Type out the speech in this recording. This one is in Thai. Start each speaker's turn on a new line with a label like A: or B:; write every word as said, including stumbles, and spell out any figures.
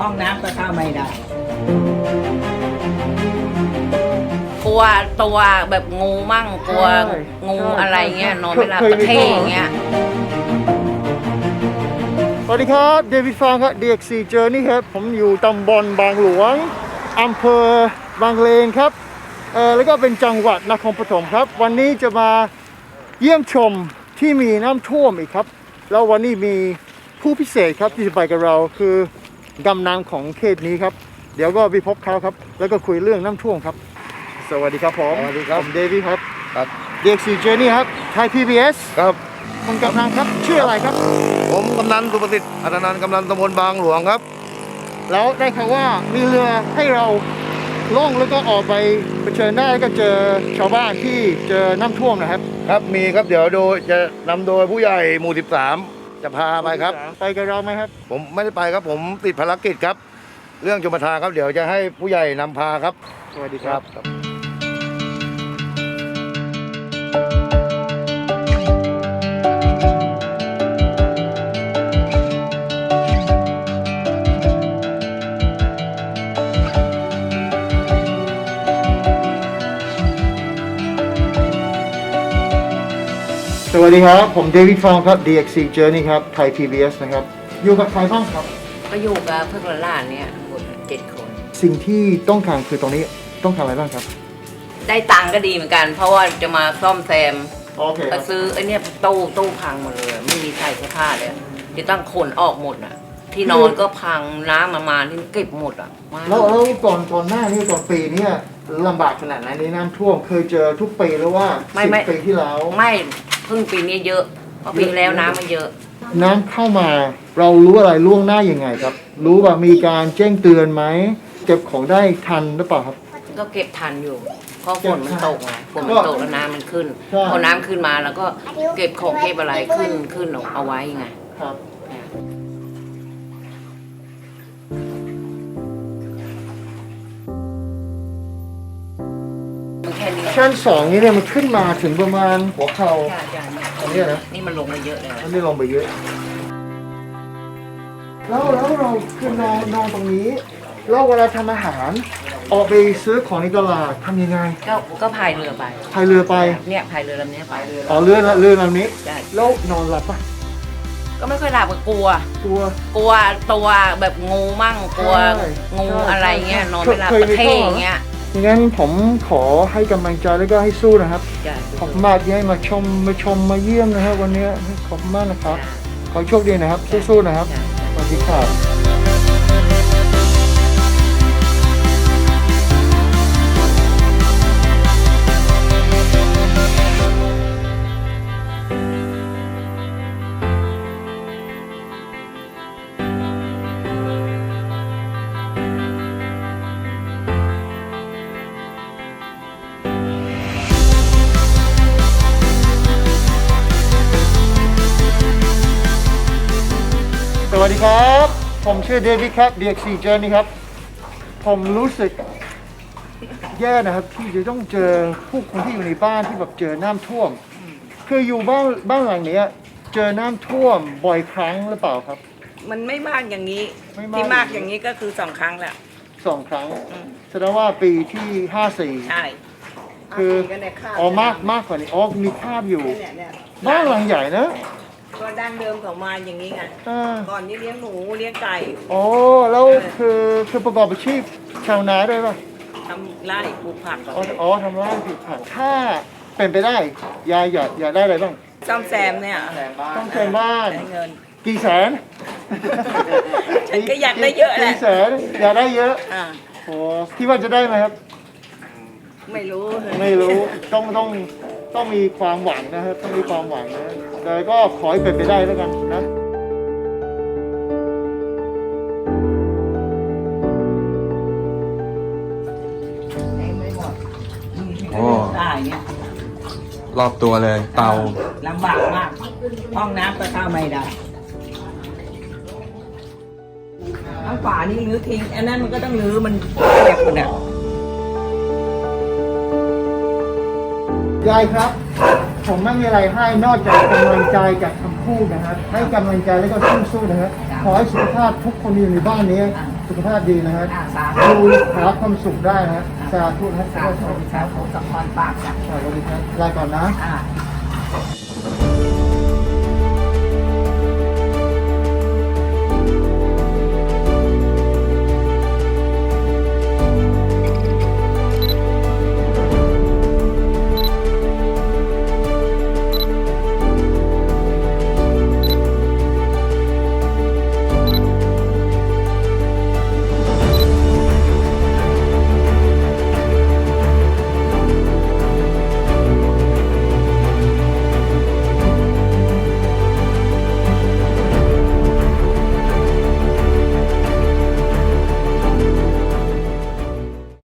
A: ห้องน้ำก็เข้าไม่ได้
B: กลัวตัวแบบงูมั่งกลัวงูอะไรเงี้ยนอนไม่หลับตะเข้อย่างเงี้ย
C: สวัสดีครับเดวิดฟางครับ ดี เอ็กซ์ ซี Journey ครับผมอยู่ตำบลบางหลวงอำเภอบางเลนครับเออแล้วก็เป็นจังหวัดนครปฐมครับวันนี้จะมาเยี่ยมชมที่มีน้ำท่วมอีกครับแล้ววันนี้มีผู้พิเศษครับที่จะไปกับเราคือกำนันของเขตนี้ครับเดี๋ยวก็ไปพบเขาครับแล้วก็คุยเรื่องน้ำท่วมครับสวัสดีครับผมสวัสดีครับผมเดวิดครับครับ ดี เอ็กซ์ ซี Journey ครับไทย พี บี เอส
D: ครับ
C: คุณกำนันครับชื่ออะไรครับ
D: ผมกำนันสุประสิทธิ์อัตนันท์กำนันตำบลบางหลวงครับ
C: แล้วได้ข่าวว่ามีเรือให้เราล่องแล้วก็ออกไปเผชิญหน้าแล้วก็เจอชาวบ้านที่เจอน้ำท่วมนะครับ
D: ครับมีครับเดี๋ยวโดยจะนำโดยผู้ใหญ่หมู่สิบสามจะพาไปครับ
C: ไปกับเราไหมครับ
D: ผมไม่ได้ไปครับผมติดภารกิจครับเรื่องชมประทานครับเดี๋ยวจะให้ผู้ใหญ่นำพาครับ
C: สวัสดีครับสวัสดีครับผมเดวิดฟองครับ ดี เอ็กซ์ ซี Journey ครับไทย พี บี เอส นะครับอยู่กับใครบ้างครับ
B: ก็อยู่กับเพื่อนหลานเนี่ยหมดเจ็ดคน
C: สิ่งที่ต้องการคือตรงนี้ต้องการอะไรบ้างครับ
B: ได้ตังก็ดีเหมือนกันเพราะว่าจะมาซ่อมแซม
C: โอเค
B: ก็ซื้อไอ้นี่ตู้ตู้พังหมดเลยไม่มีใส่เสื้อผ้าเลยจะต้องขนออกหมดอ่ะที่นอนก็พังน้ำมามาที่เก็บหมดอ่ะ
C: แล้วแล้วก่อนก่อนหน้านี้ก่อนปีนี้ลำบากขนาดไหนในน้ำท่วมเคยเจอทุกปีหรือว่าสิบปีที่แล้ว
B: ไม่เพิ่งปีนี้เยอะเพราะปีแล้วน้ำมันเยอะ
C: น้ำเข้ามาเรารู้อะไรล่วงหน้ายังไงครับรู้ว่ามีการแจ้งเตือนไหมเก็บของได้ทันหรือเปล่าครับ
B: ก็เก็บทันอยู่เพราะฝนมันตกไงฝนมันตกแล้วน้ำมันขึ้นพอน้ำขึ้นมาแล้วก็เก็บของเก็บอะไรขึ้นขึ้นเอาไว้ไง
C: ครับชั้นสองนี้เนี่ยมันขึ้นมาถึงประมาณหัวเข่าอันนี้นะ
B: นี่มันลงมาเยอะเลย
C: อันนี้ลงไปเยอะแล้วแล้วเราคือนอนนอนตรงนี้แล้วเวลาทำอาหารออกไปซื้อของในตลาดทำยังไง
B: ก็ก็พายเรือไป
C: พายเรือไป
B: เนี่ยพายเรือลำนี้พายเรือ
C: อ๋อเรือเรือลำนี้แล้วนอนหลับปะ
B: ก็ไม่ค่อยหลับก็กลัว
C: กลัว
B: กลัวตัวแบบงูมั่งกลัวงูอะไรเงี้ยนอนไม่หลับตะเข้อย่างเงี้ย
C: งั้นผมขอให้กำลังใจแล้วก็ให้สู้นะครับขอบคุณมากที่ให้มาชมมาชมมาเยี่ยมนะครับวันนี้ขอบคุณมากนะครับขอโชคดีนะครับสู้ๆนะครับสวัสดีครับสวัสดีครับผมชื่อเดวิดครับ ดี เอ็กซ์ ซี Journey ครับผมรู้สึกแย่นะครับที่จะต้องเจอผู้คนที่อยู่ในบ้านที่แบบเจอน้ำท่วมคืออยู่บ้านบ้านหลังนี้เจอน้ำท่วมบ่อยครั้งหรือเปล่าครับ
A: มันไม่มากอย่างนี้ที่มากอย่างนี้ก็คือสองครั้งแหละ
C: สองครั้งแสดงว่าปีที่ห้าสี่
A: ใช่
C: คืออ๋อมากมากกว่านี้อ๋อมีภาพอยู่บ้านหลังใหญ่นะ
A: ก็ดั้งเดิมของมาอย่างนี้ไงก่อนนี้เลี้ยงหมูเลี้ยงไก่
C: อ๋อแล้วคือคือประกอบอาชีพชาวนาด้วยป่ะ
A: ทำไร่ปลูกผัก
C: อ๋อทำไร่ปลูกผักถ้าเป็นไปได้ยายอยากอยากได้อะไรบ้าง
A: ซ่อมแซมเนี่ย
C: ซ่อมแซมบ้าน
A: เงิน
C: กี่แสน
A: ฉันก็อยากได้เยอะแหละ
C: กี่แสนอยากได้เยอะโอ้คิดว่าจะได้ไหมครับ
A: ไม่รู้
C: ไม่รู้ต้องต้องต้องมีความหวังนะครับต้องมีความหวังนะแต่ก็ขอให้เป็นไปได้แล้วกันนะ
D: โอ้รอบตัวเลยเตา
A: ลำบากมากห้องน้ำก็เข้าไม่ได้ทั้งฝานี่รื้อทิ้งอันนั้นมันก็ต้องรื้อมันแบบหมดอ่ะ
C: ยายครับผมไม่มีอะไรให้นอกจากกำลังใจจากคำพูดนะครับให้กำลังใจแล้วก็สู้ๆนะครับขอให้สุขภาพทุกคนอยู่ในบ้านนี้สุขภาพดีนะฮะ
A: อ่าสา
C: ดู
A: ธุ
C: หาความสุขได้นะฮะสาธุนะ
A: สาธุสาธุสมพรปากจ้ะ
C: สวัสดีครับลาก่อนนะ
A: อ่า